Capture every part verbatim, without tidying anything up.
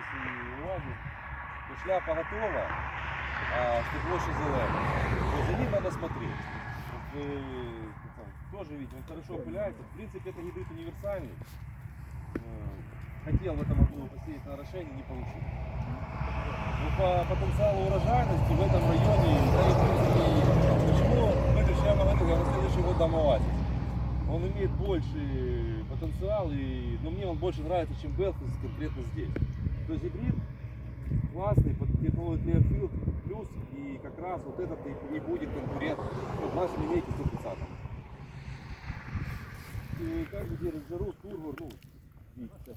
Нералис и Оазис, то шляпа готова, а стекло еще зеленое. То за ним надо смотреть. Вот вы там, тоже видите, он хорошо опыляется. В принципе, это гибрид универсальный. Хотел в этом году посеять на орошение, не получилось. Но по потенциалу урожайности в этом районе, да и в принципе, почему, видишь, я говорю, я на следующий год дам Оазис. Он имеет больший потенциал, и, но мне он больше нравится, чем Белфис конкретно здесь. То есть гибрид классный, под технологию Clearfield плюс, и как раз вот этот и, и будет конкурент в нашей линейке сто тридцать. И каждый держит жару, турбо, ну, видите, сейчас.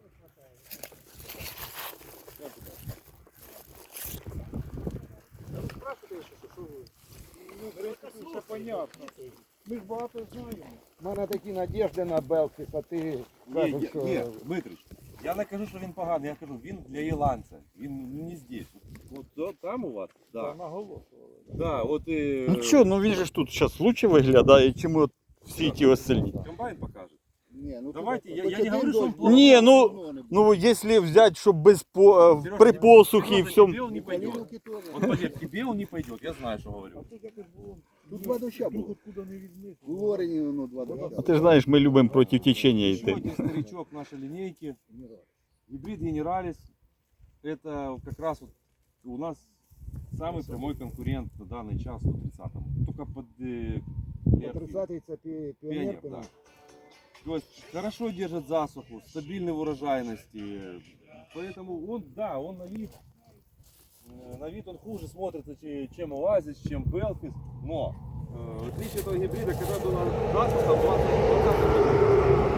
Ну, все понятно. Ми ж багато знаємо. У мене такі надіжди на Белфіс, а ти Ні, кажеш, ні, що... ні, Дмитрич, я не кажу, що він поганий, я кажу, він для ірландця, він не здесь. От, от там у вас, Да. да. Наголошували. Да, от і... Ну що, ну він же ж тут зараз лучше виглядає, чим от всі ті остальні. Комбайн покаже. Ні, ну, Давайте, тут я- хоч я не один говорю, що дощ він був, Ні, ну, давно не було. Ну, якщо взяти, щоб без по, е, Сережа, при не- посухі і Сережа, всьому. тебе он не пойдет. Полівки теж. Вот поверь, тебе он не пойдет, я знаю, что говорю. Тут якось було. Тут два доща було. Откуда не візьмеш. У Лорені воно два доща. А ти ж знаєш, ми любимо проти течення Еще йти. один старичок нашей линейки. Гибрид Генералис. Это как раз вот у нас самый прямой конкурент на данный час сто тридцатому. Только под э, Clearfield. тридцятий це пі- Пионер, піонер. да. То есть хорошо держит засуху, стабильный в урожайности. Поэтому он, да, он на вид, э, на вид он хуже смотрится, че- чем Оазис, чем Белфис. Но э, отличие этого гибрида, когда была засуха в двадцать году,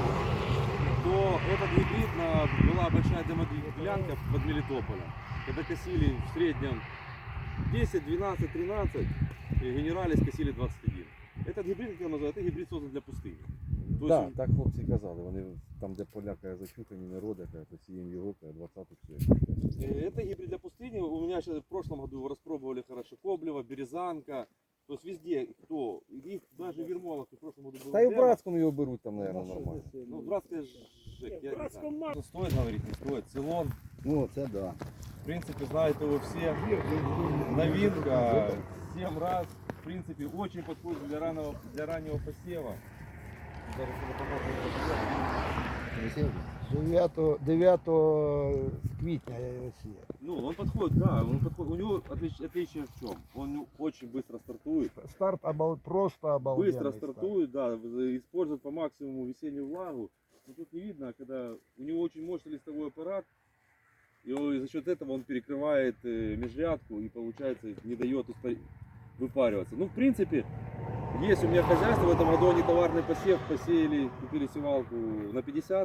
то этот гибрид на, была большая демоделянка под Мелитополем. Когда косили в среднем десять, двенадцать, тринадцать, и Генералис косили двадцать один. Этот гибрид, как я называю, это гибрид создан для пустыни. То Так, есть, так хлопці казали, вони там, де поля каже, зачухані, не роди, каже, посіємо його, каже, двадцяту все. э, это гибрид для пустыни. У меня сейчас в прошлом году его распробовали хорошо Коблева, Березанка. То есть везде, кто, их даже в Ермолах в прошлом году был. Та й в демо. Братському його беруть там, мабуть, нормально. Ну, братская Жек, я не знаю. Что стоит говорить, не стоит. Цилон, Ну, це да. в принципе, знают его все. Новинка, семь раз. В принципе, очень подходит для раннего, для раннего посева. Зараз это поможет. дев'ятого дев'ятого квітня я його сіяв. Ну, он подходит, да, он подходит. У него отлич- отличие в чем? Он очень быстро стартует. Старт обал... просто обалденний. Быстро старт. стартует, да, в- использует по максимуму весеннюю влагу. Но тут не видно, когда у него очень мощный листовой аппарат, и он- и за счет этого он перекрывает э, межрядку и получается не дает испа- выпариваться. Ну, в принципе, есть у меня хозяйство, в этом году они товарный посев посеяли, купили севалку на пятьдесят.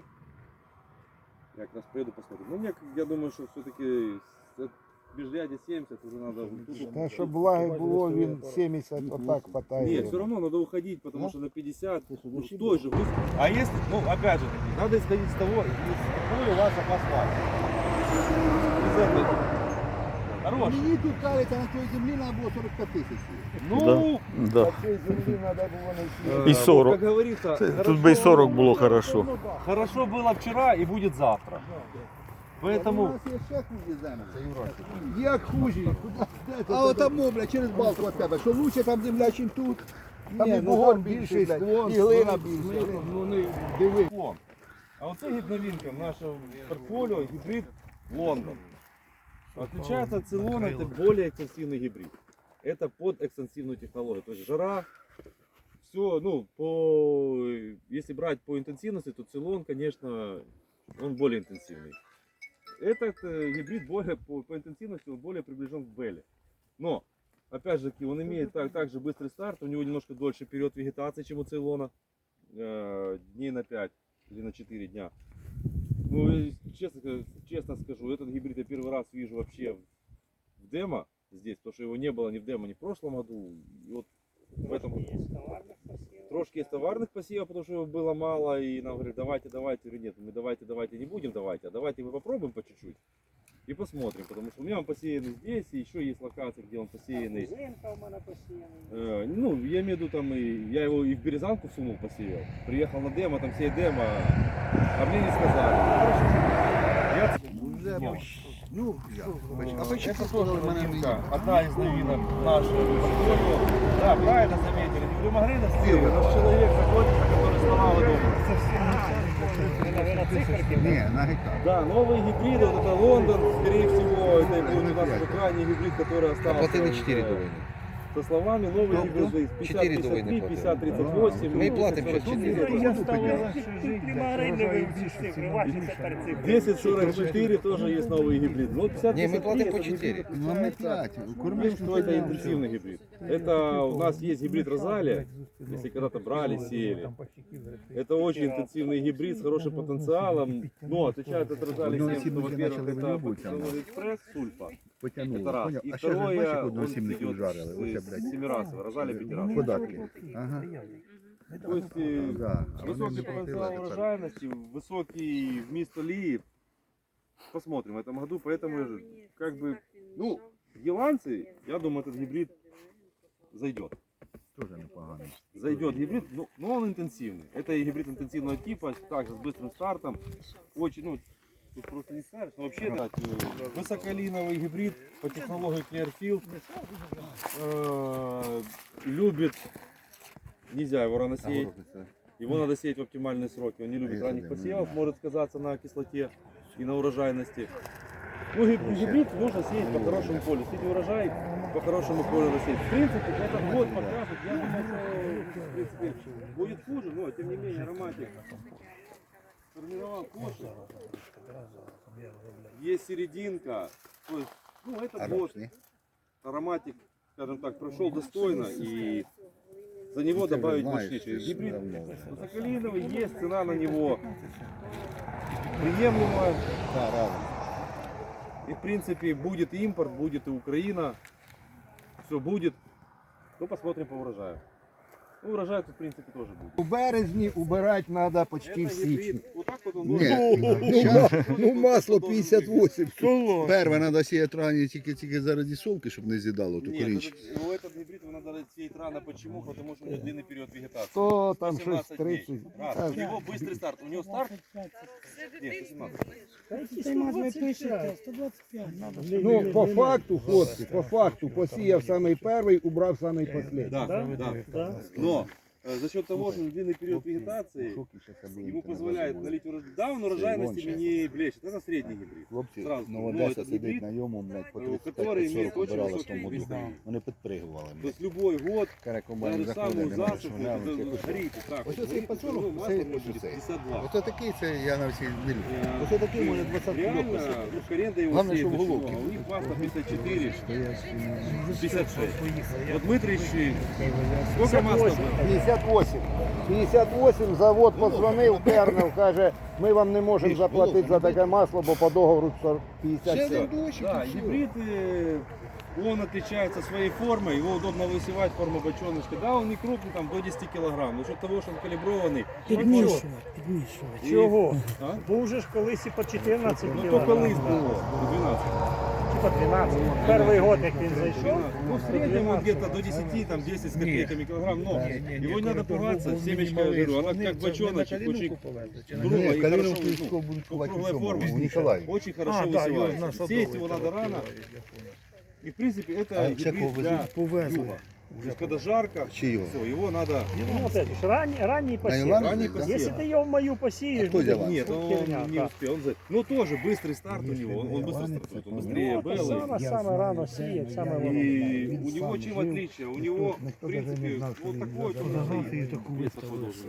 Я как раз поеду посмотрю. Ну, мне, я думаю, что все-таки межряде семьдесят уже надо... Та, щоб влаги було, він сімдесят отак хватає. Нет, все равно надо уходить, потому Да? что на пятьдесят, ну, души с той же гусь- А если, ну, опять же таки, надо исходить с того, из какой у вас запас влаги. Из этой. Хороший. Мені тут кажеться, на цій землі треба було сорок п'ять тисяч. Ну, Да. На цій землі треба було не э, сіяти. И вот сорок. как говорится, Це- хорошо, Тут би і сорок було хорошо. хорошо было вчера и будет завтра. У Поэтому, нас є ще хужі землі. Як хужі? А отамо, бля, через балку от тебе, що лучше там земля, чим тут. Там Ні, і ну, бугор там більший, більший склон, і глина ну, більша. Ну, не диви. Лон. А вот это новинка нашего портфолио, гибрид Лондон. Отличается от Цилона, это более экстенсивный гибрид. Это под экстенсивную технологию. То есть жара, все, ну, по, если брать по интенсивности, то Цилон, конечно, он более интенсивный. Этот э, гибрид более, по, по интенсивности он более приближен к Белле. Но, опять же, он имеет так, также быстрый старт, у него немножко дольше период вегетации, чем у Цилона. Э, дней на пять или на четыре дня. Ну, и честно, ска- честно скажу, этот гибрид я первый раз вижу вообще в демо здесь, потому что его не было ни в демо, ни в прошлом году. И вот в этом трошки есть товарных посевов, потому что его было мало, и нам говорят, давайте, давайте, или нет, мы давайте, давайте не будем давайте, а давайте мы попробуем по чуть-чуть. и посмотрим, потому что у меня он посеянный здесь, и еще есть локации, где он посеянный. Зимка у мене посіяна. Э, ну, я имею в виду, там, и, я его и в Березанку сунул, посеял. Приехал на демо, там сеять демо, а мне не сказали. Я... Вже, ну, я, бач, а Это почему тоже сказали мене новинка, одна из новинок нашего портфолио. Да, правильно заметили, не Магрина стиль, наш человек заходится, который сломал дома. Ні, на гектар. Да, новые гибриды, вот это Лондон, скорее всего, это будет у нас уже крайний гибрид, который остался. Платили чотири э, до війни. Со словами новые Кто, кто? гибриды пятьдесят Чотири до пятьдесят три, війни пятьдесят тридцать восемь. Ми платимо зараз чотири. Я стала не вивчиш цифри, ваші тепер цифри. десять сорок четыре тоже есть новый гибрид. Ну, пятьдесят Ні, ми пятьдесят три платимо по это чотири. гибрид, Ну, ми п'ять. Тем, Кормиш, что это интенсивный гибрид. Это у нас есть гибрид Розалия, если когда-то брали, сеяли. Это очень интенсивный гибрид с хорошим потенциалом. Но отличает от Розалии Одного тем, что, сімника во-первых, почали это вилюбувати там. Патагония экспресс, сульфа. Потягнули. Это раз. Поняв? И А ще ж бачиш, второе, як он одного сімника идет вжарили. Оце, с блядь. семирасовый, Розалия пятирасовый. Податки. Ага. То есть э, Да. А вони высокий не потенциал платили. урожайности, высокий вміст олии. Посмотрим в этом году, поэтому как бы, ну, голландцы, я думаю, этот гибрид зайдет. Тоже непоганий. Зайдет гибрид, но, но он интенсивный. Это и гибрид интенсивного типа, также с быстрым стартом. Очень, ну, тут просто не скажешь, но вообще да, высоколиновый гибрид по технологии Clearfield. Э, любит, нельзя его рано сеять. Его надо сеять в оптимальные сроки. Он не любит ранних посевов, может сказаться на кислоте и на урожайности. Ну, гиб- гибрид нужно сеять по хорошему полю. Сеять урожай по хорошему полю надо сеять. В принципе, этот год покажет. Я думаю, что в принципе, будет хуже, но тем не менее ароматик сформировал кожу. Есть серединка. То есть, ну, этот год ароматик, скажем так, прошел достойно и за него добавить больше. Гибрид высоколиновый, есть цена на него приемлемая. Да, разом. И в принципе будет и импорт, будет и Украина. Все будет. Ну посмотрим по урожаю. Ну урожай тут в принципе тоже будет. У березні убирати треба почти Это в січні. гибрид. Вот так вот он Ні, должен- ну, щас, ну масло должен п'ятдесят вісім. Соло. Перше треба сіяти рані тільки, тільки заради солки, щоб не з'їдало ту Нет, корінчик. этот, его этот гибрид его надо сеять рано. Почему? Потому что у него длинный период вегетации. То там щось семнадцать дней. тридцять. Раз. У него быстрый старт. У него старт. Нет, семнадцать. Ну, по факту, хлопці, по факту, посіяв самий перший, убрав самий останній. Да, да. Но э, за счет того, что длинный период вегетации ему позволяет налить урожай. Да, он урожайностями не блещет. Это средний гибрид. Хлопці, Сразу. ну Ну, Одеса этот сидить гибрид, на йому, блядь, по который тридцять п'ять имеет сорок очень убирали в высокий тому году. вес. Вони підпригували. То есть любой год, Кара даже комбайн заходить, самую не можеш засуху, глянути. это, якось. смотрите, так, Ось вот, оцей смотрите, пацанок, ну, масло це может ось быть оцей. пятьдесят два. Оце такий, це я на всі не люблю. Э, Оце такий може двадцять кіло Реально, посадити. ну, коренда его Главное, сеет чтобы очень головки много. У них масло пятьдесят четыре, Стоять. пятьдесят шесть. Вот Дмитрий, сколько масла было? п'ятдесят вісім. п'ятдесят вісім, завод подзвонив, Кернел, каже, ми вам не можемо заплатити за таке масло, бо по договору п'ятдесят сім. Да, гибрид, э, он отличается своей формой, его удобно высевать, форма бочоночка. Да, он не крупный, там до десяти килограмм, но за счет того, что он калиброванный. Підмішувати, підмішувати. І- Чого? А? Був же ж колись і по чотирнадцять Ну то кілограм. колись було, двенадцать. Чи по дванадцять. Перший год, як він зайшов. Ну, в среднем он где-то до десяти, там десять с копейками килограмм, но его не надо пугаться, семечка, я говорю, она как бочоночек, очень круглая и хорошо, ну, круглая форма, очень хорошо А, да, его на высевается. садовой Сеять его надо рано. И в принципе это гибрид для юга. То есть когда жарко, Чи його? все, его надо... Ну, це ж ранній, ранній посів. Івана? Ранний Да. посев. Якщо ти його в мою посієш, хто буде взяла? Нет, он херня, не так. успел. Он за- Но тоже быстрый старт у него, он, он быстро стартует, он быстрее Ну, це Беллы. саме, саме рано сіє, саме воно. И у него чем отличие? У него, в принципе, вот такой вот вес подолжен.